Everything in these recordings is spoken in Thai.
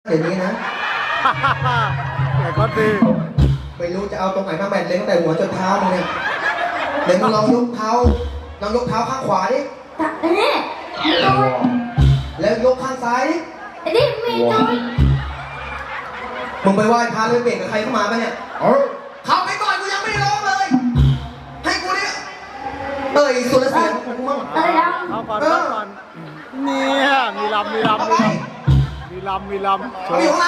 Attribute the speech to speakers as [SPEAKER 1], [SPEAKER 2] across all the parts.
[SPEAKER 1] เดี๋ยวนี้นะ
[SPEAKER 2] แต่ก็ดี
[SPEAKER 1] ไม่รู้จะเอาตรงไหนมาแบนเลยตั้งแต่หัวจนเท้ามึงเนี่ยเดี๋ยวมึงลองยกเท้าข้างขวาดิ
[SPEAKER 3] ตัดอันนี้โดน
[SPEAKER 1] แล้วยกข้างซ้ายดิ
[SPEAKER 3] อันนี้มีโดน
[SPEAKER 1] มึงไปไหว้พระเลยเปลี่ยนกับใครเข้ามาปะเนี่ยเข้าไปก่อนกูยังไม่ได้ร้องเลย ให้กูเนี่ยสุรเสียงของกูมั่ง
[SPEAKER 3] อะไรดัง
[SPEAKER 2] เอาก่อนเอาก่อนเนี่ยมีลำ
[SPEAKER 1] เอาไป
[SPEAKER 2] โช
[SPEAKER 1] เอาอยู่
[SPEAKER 2] ว์
[SPEAKER 1] ข้างใน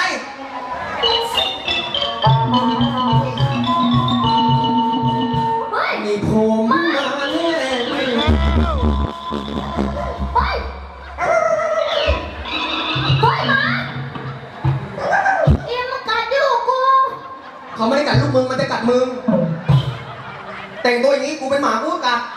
[SPEAKER 3] เฮ้ย
[SPEAKER 1] มีผมมาแน่
[SPEAKER 3] เฮ้ยเฮ้ยมาเอ็มมากัดอยู่กู
[SPEAKER 1] เขาไม่ได้กัดลูกมึงมันจะกัดมึงแต่งตัวอย่างนี้กูเป็นหมากูก็กัด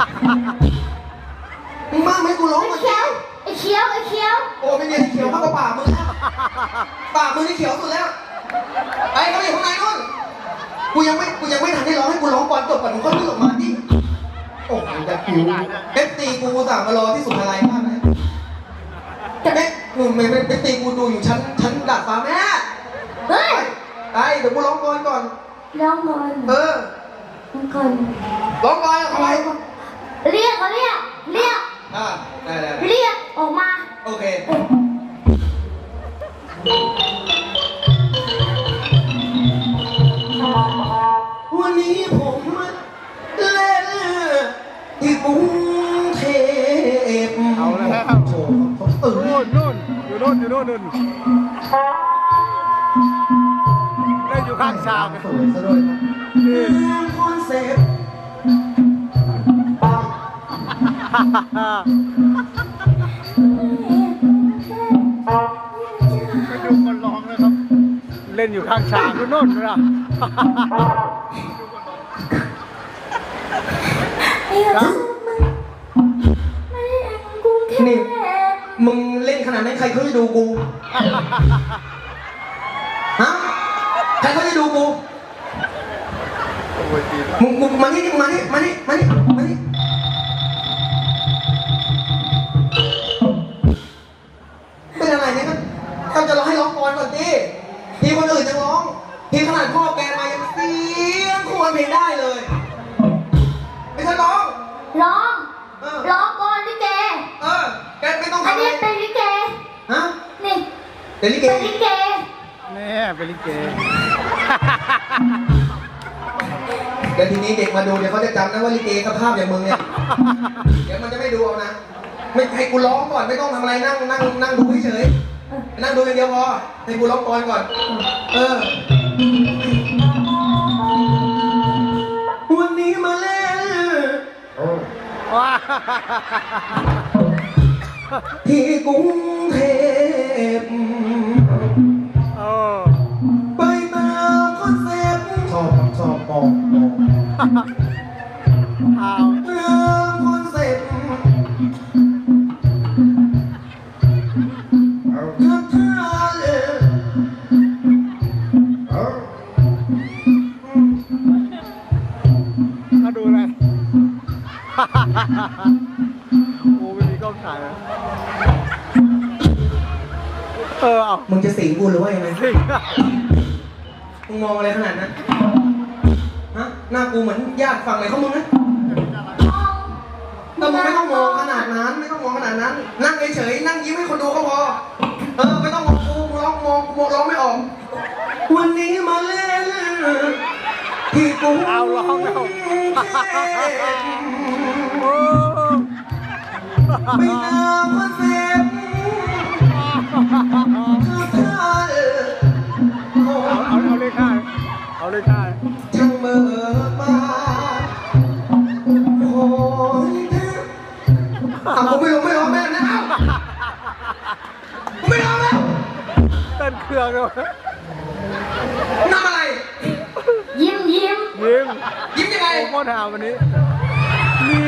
[SPEAKER 1] มึงมากไหมกูร้อง
[SPEAKER 3] ไอ้
[SPEAKER 1] มา
[SPEAKER 3] เขียวไอ้เขียวไอ้เขียว
[SPEAKER 1] โอ้ไม่มีอะไรเขียวมากกว่าปากมึงแล้วปากมึงนี่เขียวสุดแล้วไอ้เขาอยู่ข้างในนู่นกูยังไม่ทันได้ร้องให้กูร้องก่อนจบก่อนมึงก็วิ่งออกมาดิโอ้โหจะผิวเอฟตีกูสั่งมารอที่สุดอะไรมากเลยแต่แม่หนูไม่เป็นเอฟตีกูดูอยู่ชั้นดาดฟ้าแม่
[SPEAKER 3] เฮ้ย
[SPEAKER 1] ไอ้เดี๋ยวกูร้องก่อนก่อน
[SPEAKER 3] ร้องก่อน
[SPEAKER 1] เออ
[SPEAKER 3] ร้องก่อน
[SPEAKER 1] ร้องก่อนเอาไป
[SPEAKER 3] เรียกเขาเรียก
[SPEAKER 1] อ่าได้
[SPEAKER 3] เรียกออกมา
[SPEAKER 1] โอเควันนี้ผมเล่นที่กรุงเทพ
[SPEAKER 2] เอาแล้ว
[SPEAKER 1] โอ้โหผมตื่น
[SPEAKER 2] นู่นอยู่นู่นได้อยู่ข้างชาม
[SPEAKER 1] สวยซะด้วยนะ
[SPEAKER 2] นี่
[SPEAKER 1] คอนเซ็ปต์ปัง
[SPEAKER 2] ไปดูคนร้องนะครับ เล่นอยู่ข้างชามนู่นนะ
[SPEAKER 3] ไอ้เจ้ามึงไม่ได้เอ็งกรุงเท
[SPEAKER 1] นี่
[SPEAKER 3] พ
[SPEAKER 1] มึงเล่นขนาดนั้นใครเขาจะดูกู ฮะ ใครเขาจะดูกู
[SPEAKER 2] โอ้ยดีนะ
[SPEAKER 1] มึงมานี่มานี่เป็นอะไรเนี่ยก็จะร้องให้ร้องก่อนก่อนดิทีคนอื่นจะร้องทีขนาดพ่อแกมายังเสียงควรเพลงได้เลยไม่ใช่ร้อง
[SPEAKER 3] ร้อง
[SPEAKER 1] เออ
[SPEAKER 3] ร้องก่อนลิเก
[SPEAKER 1] แกไม่ต้อง
[SPEAKER 3] อัน
[SPEAKER 1] ทำอะไร
[SPEAKER 3] นี้เป็นลิเก
[SPEAKER 1] ฮะ
[SPEAKER 3] นี่
[SPEAKER 1] เดี๋ยวลิเก
[SPEAKER 3] เป็นลิเก
[SPEAKER 2] นี่เป็นลิเก
[SPEAKER 1] เดี๋ยวทีนี้เด็กมาดูเดี๋ยวเขาจะจำนะว่าลิเกสภาพอย่างมึงเนี่ย เดี๋ยวมันจะไม่ดูเอานะ ไม่ให้กูร้องก่อนไม่ต้องทำอะไรนั่งดูเฉยๆนั่งดูอย่างเดียวพอให้กูร้องก่อนวันนี้มาเล่น
[SPEAKER 2] ว้า
[SPEAKER 1] ที่กรุงเทพ
[SPEAKER 2] เออ
[SPEAKER 1] ไปตามคอนเซ็ปต์ชอบปอง
[SPEAKER 2] เอา
[SPEAKER 1] ตามคอนเซ็ปต์กับท่าเลย
[SPEAKER 2] มาดูเลย โอ้ไม่มีกล้องถ่ายเลยเอา
[SPEAKER 1] มึงจะสิงกูหรือว่ายังไง
[SPEAKER 2] สิ
[SPEAKER 1] มึงมองอะไรขนาดนั้น ฮะ หน้ากูเหมือนญาติฝั่งไหนเขามึงนะแต่มึงไม่ต้องมองขนาดนั้น นั่งเฉยๆ นั่งยิ้มให้คนดูก็พอ ไม่ต้องมองกูร้องไม่ออก วันนี้มาเล่นที่กรุง
[SPEAKER 2] เอาร้องแล้ว โอ้
[SPEAKER 1] ไม่ตามคอนเซ็ปต์
[SPEAKER 2] เอาเลยค่ะ
[SPEAKER 1] ช่างเบิกบานโอ้ยผมไม่ร้องแม่นะผมไม่ร้องแล้ว
[SPEAKER 2] เต้นเครื่องเลย
[SPEAKER 1] ทำอะไร
[SPEAKER 3] ยิ้ม
[SPEAKER 2] ยิ้ม
[SPEAKER 1] ยิ้มยังไง
[SPEAKER 2] โอ้โหหาวันนี้ นี่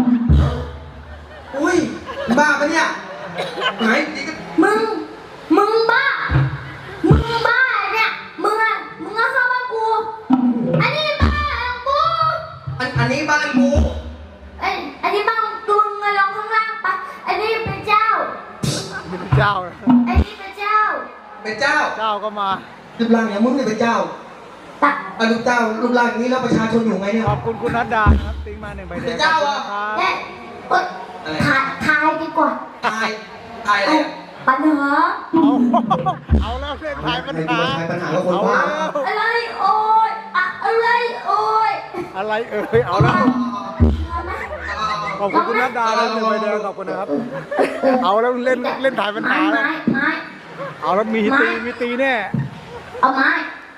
[SPEAKER 1] อุ้ยบ้าปะเนี่ยไหนนี่ก็
[SPEAKER 3] มึงบ้าเนี่ยมึงเอาเข้าบ้านกูอันนี้บ้านกู
[SPEAKER 1] อันนี้บ้านกู
[SPEAKER 3] อันนี้บ้านกูมึงลงข้างล่างไปอันนี้เป็นเจ้า
[SPEAKER 2] นี่เป็นเจ้า
[SPEAKER 3] อันนี้เป็นเจ้า
[SPEAKER 1] เป็นเจ้าเจ้า
[SPEAKER 2] เจ้าก็มา
[SPEAKER 1] รูปร่างอย่างมึงเนี่ยเป็นเจ้า
[SPEAKER 3] ตัก
[SPEAKER 1] อ่ะรูปเจ้ารูปร่างอย่างนี้แล้วประชาชนอยู่ไงเนี่ย
[SPEAKER 2] ขอบคุณคุณนัดดาครับติ้งมา1 ใบแดง
[SPEAKER 1] เป็นเจ้าเหรอ
[SPEAKER 2] ขอบคุณ
[SPEAKER 3] แน่
[SPEAKER 2] นะครับ
[SPEAKER 3] เอ้ยทายดีกว่า
[SPEAKER 1] ทายทายอะไรอ่ะ
[SPEAKER 3] ปัญหา
[SPEAKER 2] เอาแล้วเรื่องทายปัญ
[SPEAKER 1] ให้
[SPEAKER 2] หา
[SPEAKER 1] กูมาทายปัญหากับคน
[SPEAKER 2] เอา
[SPEAKER 1] บ้า
[SPEAKER 2] แล้ว
[SPEAKER 3] อะไรโอ้ยอะไรโอ้ย
[SPEAKER 2] อะไรเอาแล้ว
[SPEAKER 3] เอาไหม
[SPEAKER 2] ขอบคุณคุณนัดดาแล้ว1 ใบแดงขอบคุณนะครับ เอาแล้วเล่นถ่ายปัญหาแล้ว
[SPEAKER 3] ไม้
[SPEAKER 2] เอาแล้วมีตีแน่
[SPEAKER 3] เอาไม้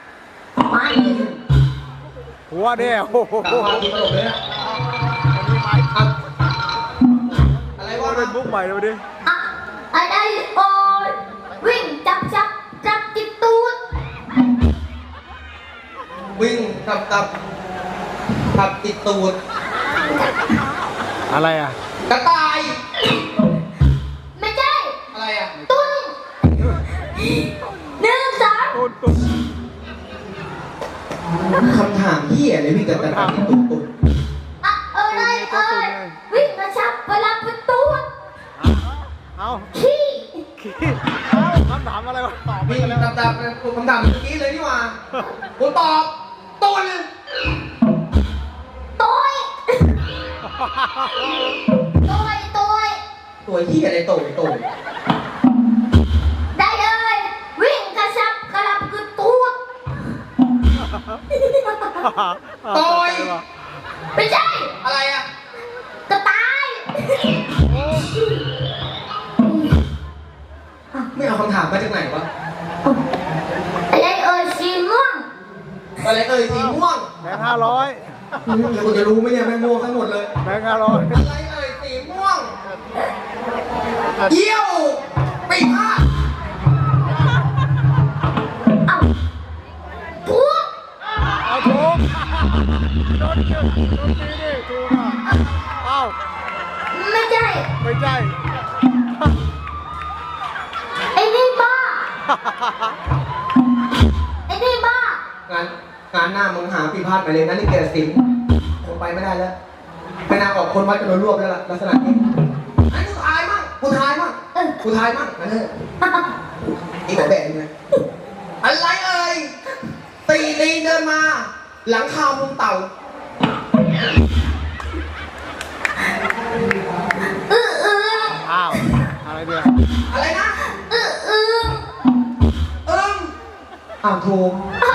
[SPEAKER 2] หัวแน่โอ้โห
[SPEAKER 1] ตาพาทีตลกเลยนะอ่ะอะไร
[SPEAKER 2] ว่าว
[SPEAKER 1] ะ
[SPEAKER 2] เล่นบุ๊กใหม่เลยดิ
[SPEAKER 3] อะอะไรโอ้ยวิ่งจับติดตูด
[SPEAKER 1] วิ่งตับติดตูด
[SPEAKER 2] อะไรอ่ะ
[SPEAKER 1] กระต่าย
[SPEAKER 3] ไม่ใช่
[SPEAKER 1] อะไรอ่ะ
[SPEAKER 3] ตุ้น1 2
[SPEAKER 2] ตุ้น
[SPEAKER 1] คำถามที่อะไรวิ่งกับกระต่ายติดตูด
[SPEAKER 3] อะอะไรเอ้ยวิ่งกระชับเวลาประตู
[SPEAKER 2] เอา
[SPEAKER 3] ขี้
[SPEAKER 2] คำถามอะไรวะตอบไป
[SPEAKER 1] วิ่ง
[SPEAKER 2] กันแล้ว
[SPEAKER 1] ตับคำถามเมื่อกี้เลยนี่หว่ากูตอบตูน
[SPEAKER 3] โต้ยโต้ย
[SPEAKER 1] ตัวที่อะไรโตย
[SPEAKER 3] ได้เลยวิ่งกระชับกระลับกระตูดไม่ใช่
[SPEAKER 1] อะไรอ่ะ
[SPEAKER 3] กระต่าย
[SPEAKER 1] ไม่เอาคำถามมาจากไหนวะ
[SPEAKER 3] อะไรเอ่ยสีม่วง
[SPEAKER 1] อะไรเอ่ยสีม่วง
[SPEAKER 2] แบงค์500
[SPEAKER 1] แล้วกูจะรู้ไหมเนี่ยแม่งม่วงทั้งหมดเลย
[SPEAKER 2] แบงค์500
[SPEAKER 1] อะไรเอ่ยสีม่วง เยี่ยวปีพาด
[SPEAKER 3] เอ้าถูก
[SPEAKER 2] เอาถูกโดนตีดิถูกอ่ะเอ้า
[SPEAKER 3] ไม่ใช่
[SPEAKER 2] ไม่ใช่
[SPEAKER 3] ไอ้นี่บ้าไอ้นี่บ้าง
[SPEAKER 1] านหน้ามึงหาปีพาดไปเลยนะนี่แกสินคงไปไม่ได้แล้วไปนาออกคนวัดจะโดนรวบแล้วล่ะลักษณะนี้ไอ้กูทายมั่งกูทายมั่งนั่นเถอะอีกแบบแบบนี้อะไรเอ่ยตีลีเดินมา หลังคามุงเต่า
[SPEAKER 2] อ้าวอะไรเนี่ย
[SPEAKER 1] อะไรนะ
[SPEAKER 3] อืม
[SPEAKER 1] อ้าวถูก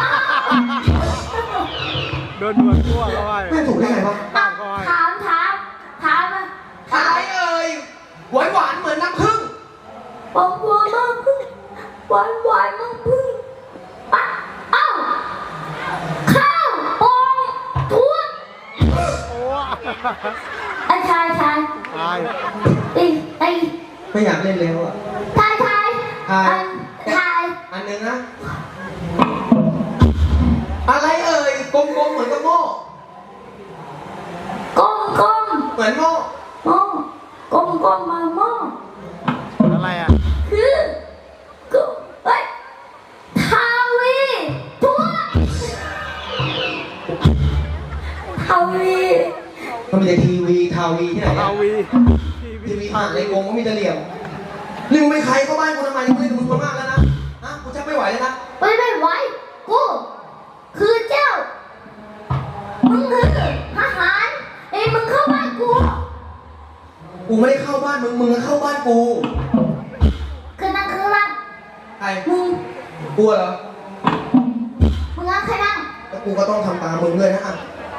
[SPEAKER 2] โดนหนวดทั่วเข้าไป
[SPEAKER 1] ไม่ถูกได้ไงวะ
[SPEAKER 2] ตั้งเข้าไป
[SPEAKER 3] ถามมา
[SPEAKER 1] อะไรเอ่ยหวานหวานเหมือนน้ำผึ้ง
[SPEAKER 3] บอกว่ามาพึ่งหวานมาพึ่งอ่ะเอ้าข้าวปองทุก
[SPEAKER 2] โอ้
[SPEAKER 3] ไอ้ชาย
[SPEAKER 2] ตาย
[SPEAKER 3] ไอ้
[SPEAKER 1] ไม่อยากเล่นแล้วอ่ะ
[SPEAKER 3] ทาย
[SPEAKER 1] อันหนึ่งนะอะไรเอ่ยกลมๆเหมือนกับโม่
[SPEAKER 3] กลม
[SPEAKER 1] เหมือนโม่
[SPEAKER 3] หม้อกลมมาหม้อ
[SPEAKER 2] อะไรอ่ะ
[SPEAKER 3] คือกูเฮ้ยทาวีทุกทาวี
[SPEAKER 1] มันมีแต่ทีวีทาวีที่ไหน
[SPEAKER 2] ทา
[SPEAKER 1] อะ
[SPEAKER 2] วี
[SPEAKER 1] ทีวีผ่านในกรงก็มีแต่เหลี่ยมนี่มึงเป็นใครเข้าบ้านกูทำไมกูเล่นกับมึงมากแล้วนะฮะกูชักไม่ไหวแล้วนะ
[SPEAKER 3] ไม่ไหวกูคือเจ้ามึงคือทหารไอ้มึงเข้าบ้านกู
[SPEAKER 1] กูไม่ได้เข้าบ้านมึงมึงก็เข้าบ้านกู
[SPEAKER 3] คือนั่งคือนั่ง
[SPEAKER 1] ใคร
[SPEAKER 3] มึง
[SPEAKER 1] กลัวเหรอ
[SPEAKER 3] มึงนั่งใครนั่ง
[SPEAKER 1] แล้วกูก็ต้องทำตามมึงด้วยนะอ่ะ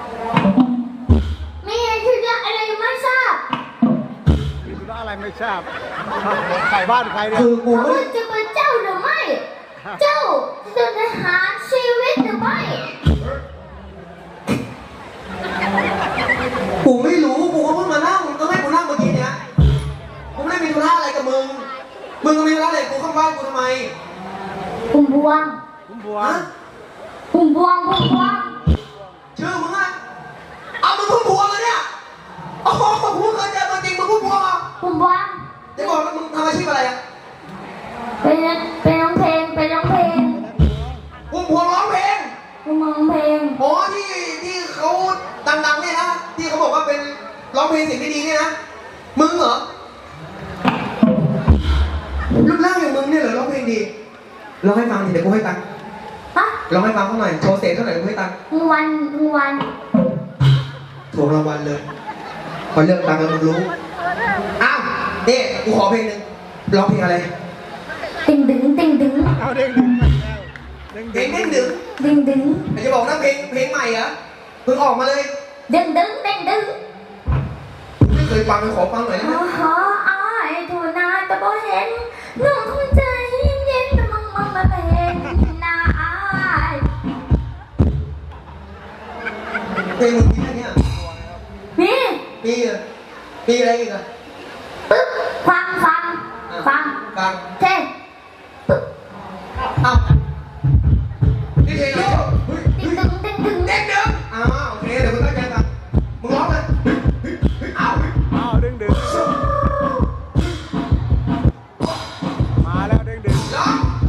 [SPEAKER 3] มีอะไรที่เรียกอะไรไม่ทราบ
[SPEAKER 2] มีธุระอะไรไม่ทราบใส่บ้านใครเนี่ย
[SPEAKER 1] คือกูไม่
[SPEAKER 3] มึ
[SPEAKER 1] ได้
[SPEAKER 3] งจะเป็นเจ้าหรือไม่ เจ้าจะทหารชีวิตหรือไม่
[SPEAKER 1] กูไม่รู้กูก็เพิ่งมานั่งมึงก็ให้กูนั่งเมื่อกี้เนี้ยกูไม่ได้มีธุระอะไรกับมึงมึงก็มีธุระอะไรกับกูเข้าบ้านกูทำไม
[SPEAKER 3] พุ่มพวง
[SPEAKER 2] ผมบัว
[SPEAKER 1] ฮะ
[SPEAKER 3] พุ่มพวง
[SPEAKER 1] ชื่อมึงอะเอามึงพูดผัวเลยเนี่ยโอ้โหกูเคยเจอตัวจริงมึงพูดผัว
[SPEAKER 3] พุ่มพวง
[SPEAKER 1] เดี๋ยวบอกว่ามึงทำอาชีพอะไรอะ
[SPEAKER 3] เป็นร้องเพลง
[SPEAKER 1] พุ่มผัวร้องเพลง
[SPEAKER 3] ร้องเพลง
[SPEAKER 1] อ๋อที่เขาดังๆเนี่ยนะที่เขาบอกว่าเป็นร้องเพลงเสิ่งที่ดีเนี่ยนะมึงเหรอรูปร่างอย่างมึงเนี่ยเหรอร้องเพลงดีเหรอองให้ฟังดิเดี๋ยวกูให้ตังค์
[SPEAKER 3] ฮะ
[SPEAKER 1] ร้องให้ฟังเขาหน่อยโชว์เสียงเขาหน่อยกูให้ตังค์
[SPEAKER 3] วัน
[SPEAKER 1] ถ่วงรางวัลเลยพอเลือกตังค์แล้วมึงรู้อ้าวนี่กูขอเพลงหนึ่งร้องเพลงอะไร
[SPEAKER 3] ติงดึงติงดึง
[SPEAKER 2] เอาเด้งดึงไปแล้วเด้ง
[SPEAKER 1] เพล
[SPEAKER 2] ดึ
[SPEAKER 1] ง
[SPEAKER 2] ง
[SPEAKER 1] เด้งดึง
[SPEAKER 3] ดึงดึง
[SPEAKER 1] ไม่จะบอกนะเพลงใหม่เหรอเพิ่งออกมาเลย
[SPEAKER 3] ดึงดึงดึงดึง
[SPEAKER 1] ไม่เคยฟังเลยขอฟังหน่อยได้ไหม
[SPEAKER 3] อ๋ออายทูนาแต่บ่เห็นน้องคงใจเย็นแต่มึงมาเป็นนาอาย
[SPEAKER 1] เพลงมึงมีแค่เนี้ย
[SPEAKER 3] นี่
[SPEAKER 1] มีเหรอมีอะไรอีกอ่ะ
[SPEAKER 3] ปึ๊บฟัง
[SPEAKER 1] ฟัง
[SPEAKER 3] เท่
[SPEAKER 1] เอ้านี่เพลงอะไรเฮ้ย
[SPEAKER 3] ดึงดึงดึงดึง
[SPEAKER 1] เด้งดึงอ้าวโอเคเดี๋ยวมึงตั้งใจฟังมึงร้องเลยเอ้า
[SPEAKER 2] เอาเด้งดึงมาแล้วเด้งดึง
[SPEAKER 1] ร้อง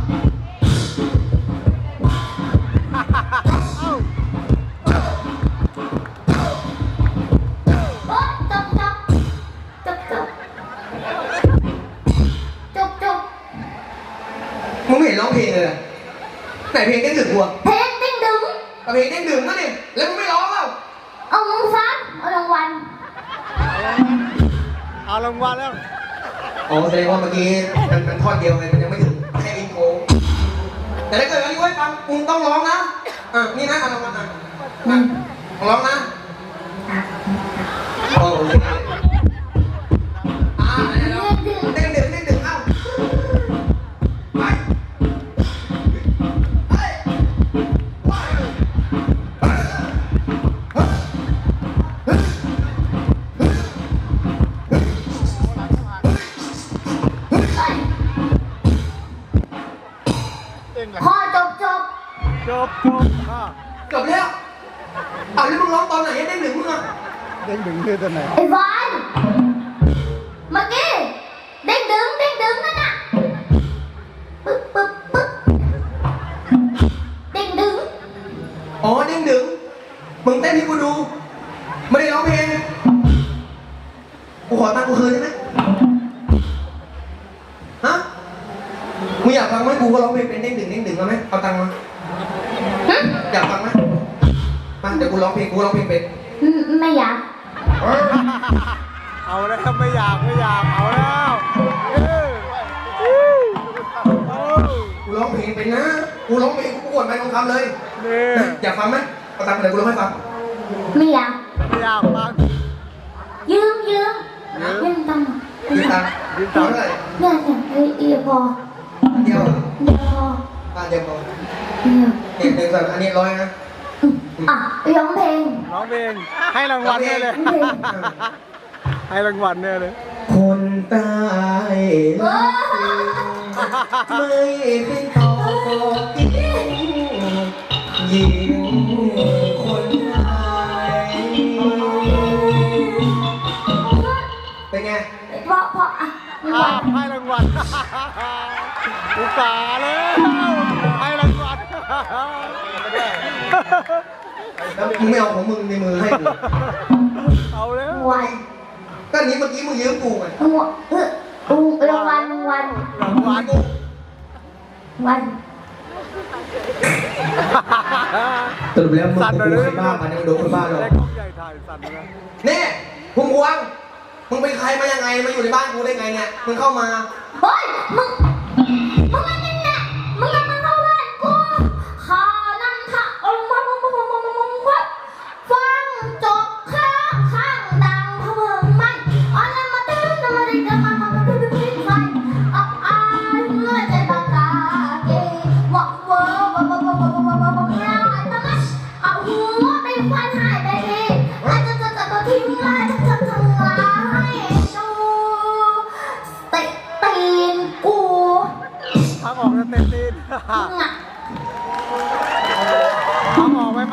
[SPEAKER 3] โอ๊ยจบ
[SPEAKER 1] มึงไม่เห็นร้องเพลงเลยเหรอไหนเพลงเด้งดึงกูอะ
[SPEAKER 3] เพลงดึงดึง
[SPEAKER 1] เอาเพลงเด้งดึงนั่นนี่แล้วมึงไม่ร้องเปล่า
[SPEAKER 3] เอามึงฟังเอารางวัล
[SPEAKER 2] เอารางวัลแล้ว
[SPEAKER 1] อ๋อแสดงว่าเมื่อกี้มันท่อนเดียวไงมันยังไม่ถึงแค่อินโทรแต่ถ้าเกิดวันนี้ไว้ฟังมึงต้องร้องนะนี่นะเอารางวัลอ่ะร้องนะโอ้โหเด้งดึงเอ้าไป
[SPEAKER 2] เด้งเลย
[SPEAKER 3] พอจบ
[SPEAKER 2] จบค่ะ
[SPEAKER 1] จบแล้วเอาแล้วมึงร้องตอนไหนเด้งดึงมึงอ่ะ
[SPEAKER 2] เด้งดึงคือตัวไหน
[SPEAKER 3] ไอ้วานเมื่อกี้เด้งดึงนั่นน่ะปึ๊บเด้งดึง
[SPEAKER 1] อ๋อเด้งดึงมึงเต้นให้กูดูไม่ได้ร้องเพลงกูขอตังค์กูคืนได้ไหมฮะมึงอยากฟังไหมกูก็ร้องเพลงเป็นเด้งดึงมาไหมเอาตังค์มา
[SPEAKER 3] หึ
[SPEAKER 1] อยากฟังไหมมาเดี๋ยวกูร้องเพลงเป็น
[SPEAKER 3] ไม่อยาก
[SPEAKER 2] เอาแล้วไม่อยากเอาแล้วเอา
[SPEAKER 1] กูร้องเพลงเป็นนะกูร้องเพลงกูประกวดไปทองคำเลย
[SPEAKER 2] นี่
[SPEAKER 1] อยากฟังไหมเอาตังค์มาเดี๋ยวกูร้องให้ฟัง
[SPEAKER 3] ไม่อยาก
[SPEAKER 2] ไม่อยากฟัง
[SPEAKER 3] ยืมตังค์
[SPEAKER 1] ยืมตังค์เท่าไหร่
[SPEAKER 3] เนี่ยเอียพอ
[SPEAKER 1] เดียว
[SPEAKER 3] เดี๋ยวพอ
[SPEAKER 1] เดียวพอ
[SPEAKER 3] เดี๋ยว
[SPEAKER 1] เด็ก100อันนี้100นะ
[SPEAKER 3] อ่ะร้องเพลง
[SPEAKER 2] ร้องเพลงให้รางวัลเนี่ยเลย
[SPEAKER 3] ร้องเพลง
[SPEAKER 2] ให้รางวัลเนี่ยเลย
[SPEAKER 1] คนตาย
[SPEAKER 3] เออ
[SPEAKER 1] ไม่เป็นต่อกินยิงคนตายเป็นไง
[SPEAKER 3] เพราะอ่ะรางวัล
[SPEAKER 2] ให้รางวัลอุตส่าห์แล้วให้รางวัล
[SPEAKER 1] แล้วมึงไม่เอาของมึงในมือให้กู
[SPEAKER 2] เอาแล้ว
[SPEAKER 3] รางวัล
[SPEAKER 1] ก็อันนี้เมื่อกี้มึงยืมกูไง
[SPEAKER 3] รางวัล
[SPEAKER 2] รางวัล
[SPEAKER 3] วัน
[SPEAKER 1] สรุปแล้วมึงกูใครบ้ามันยังโดนคนบ้าหรอก
[SPEAKER 2] ได้กล้องใหญ่ถ่ายสั่นเลย
[SPEAKER 1] นี่พุ่งพวงมึงเป็นใครมายังไงมาอยู่ในบ้านกูได้ไงเนี่ยมึงเข้ามา
[SPEAKER 3] เฮ้ยมึงไม่นั่นแหละมึงอย่ามาเข้าบ้านกูข้านั่นค่ะฟังจบข้างดังเพิ่มไม่อะไรมาตื้อมาดิกันมาตื้อไฟอับอายเมื่อใจปากกาเกว่าเวอง่ายตะมัชเอาหัวไปฟันหายไปทีอาจจะทิ้งลายจะทั้งลายชูติตีนกู
[SPEAKER 2] พักออกแล้วเต้นตีน
[SPEAKER 3] มึงอ่ะ
[SPEAKER 2] พักออกไหม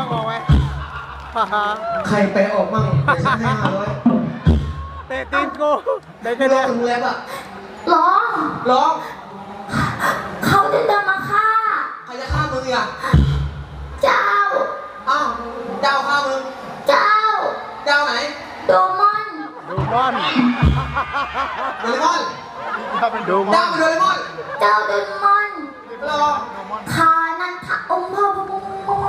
[SPEAKER 1] ใครไปออกมั่งเดี๋ยวฉันให้500
[SPEAKER 2] เตะตีนกูได้
[SPEAKER 1] ไม่
[SPEAKER 2] แค่
[SPEAKER 1] ร้อ
[SPEAKER 2] เนี้
[SPEAKER 1] งถึงแล้วอ่ะ
[SPEAKER 3] ร้อง
[SPEAKER 1] ร้อง
[SPEAKER 3] เขาจะเดินมาฆ่า
[SPEAKER 1] ใครจะฆ่ามึงอีกอ่ะ
[SPEAKER 3] เจ้า
[SPEAKER 1] อ้าวเจ้าฆ่ามึง
[SPEAKER 3] เจ้า
[SPEAKER 1] เจ้าไหน
[SPEAKER 3] โดมอน
[SPEAKER 2] ดูมอน
[SPEAKER 1] โดเรมอน
[SPEAKER 2] ดูมอ
[SPEAKER 1] เจ้าน เป็นโดเรมอน
[SPEAKER 3] เจ้าโดมอน
[SPEAKER 1] รอ
[SPEAKER 2] ม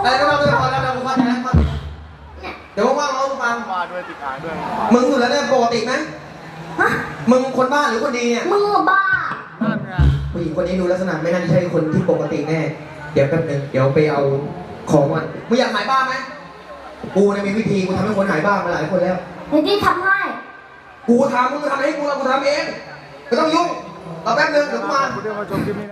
[SPEAKER 1] อะไรก็เราไปก่อนแล้วเราฟังนะเดี๋ยวว่างๆเราฟัง
[SPEAKER 2] มาด้วยติดอ่างด้วย
[SPEAKER 1] มึงสุดแล้วเนี่ยปกติไหม
[SPEAKER 3] ฮะ
[SPEAKER 1] มึงคนบ้าหรือคนดีเนี่ย
[SPEAKER 3] มึงอะบ้า
[SPEAKER 2] นั่นไง
[SPEAKER 1] ผู้หญิงคนนี้ดูลักษณะไม่น่าจะใช่คนที่ปกติแน่ เดี๋ยวแป๊บนึงเดี๋ยวไปเอาของก่อนมึงอยากหายบ้าไหมกูเนี่ยมีวิธีกูทำให้คนหายบ้ามาหลายคนแล้ว
[SPEAKER 3] เดี๋ยวที่ทำให้
[SPEAKER 1] กูทำมึงทำให้กูแล้วกูทำเองไม่ต้องยุ่งรอแป๊บนึงเดี๋ยวกูมา
[SPEAKER 2] คุณเรียกว่าชมคลิปนี้